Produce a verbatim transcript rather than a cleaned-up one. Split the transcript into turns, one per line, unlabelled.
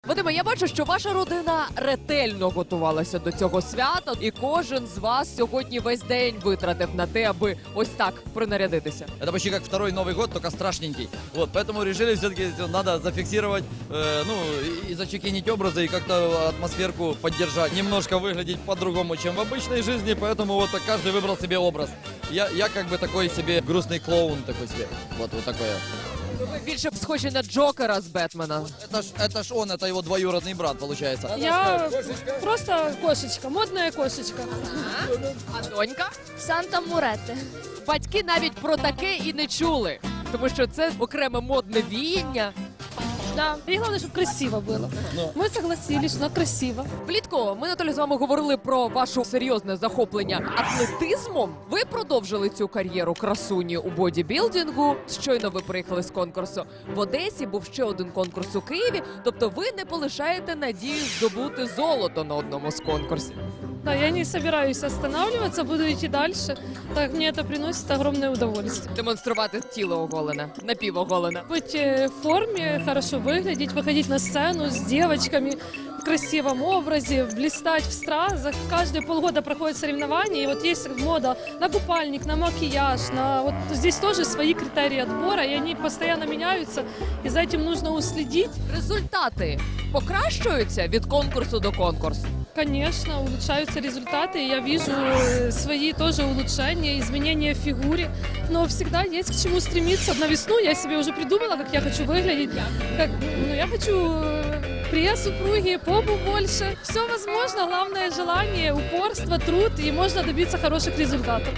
Вадиме, я бачу, що ваша родина ретельно готувалася до цього свята, і кожен з вас сьогодні весь день витратив на те, аби ось так принарядитися.
Это почти как второй Новый год, только страшненький. Вот, поэтому решили все-таки надо зафиксировать, э, ну, и зачекинить образы, и как-то атмосферку поддержать. Немножко выглядеть по-другому, чем в обычной жизни, поэтому вот так каждый выбрал себе образ. Я, я как бы такой себе грустный клоун такой себе. Вот, вот такой.
Ви більше схожі на Джокера з Бетмена.
Это ж, это ж он, это его двоюродный брат, получается.
Я просто кошечка, модная кошечка.
А донька?
Санта Муретте.
Батьки навіть про таке і не чули, тому що це окреме модне віяння.
Да. И главное, чтобы красиво было. Мы согласились, но красиво.
Влітку ми, Наталі, з вами говорили про ваше серйозне захоплення атлетизмом. Ви продовжили цю кар'єру красуні у бодібілдингу. Щойно ви приїхали з конкурсу в Одесі, був ще один конкурс у Києві. Тобто ви не полишаєте надію здобути золото на одному з конкурсів.
Да, я не собираюсь останавливаться, буду идти дальше. Так мне это приносит огромное удовольствие.
Демонструвати тіло оголене, напівоголене.
Быть э, в форме, хорошо выглядеть, выходить на сцену с девочками в красивом образе, блистать в стразах. Каждые полгода проходят соревнования, и вот есть мода на купальник, на макияж, на вот здесь тоже свои критерии отбора, и они постоянно меняются, и за этим нужно уследить.
Результати покращуються від конкурсу до конкурсу.
Конечно, улучшаются результаты, и я вижу э, свои тоже улучшения, изменения в фигуре, но всегда есть к чему стремиться. На весну я себе уже придумала, как я хочу выглядеть. Как, ну, я хочу э, пресс упругий, попу больше. Все возможно, главное желание, упорство, труд, и можно добиться хороших результатов.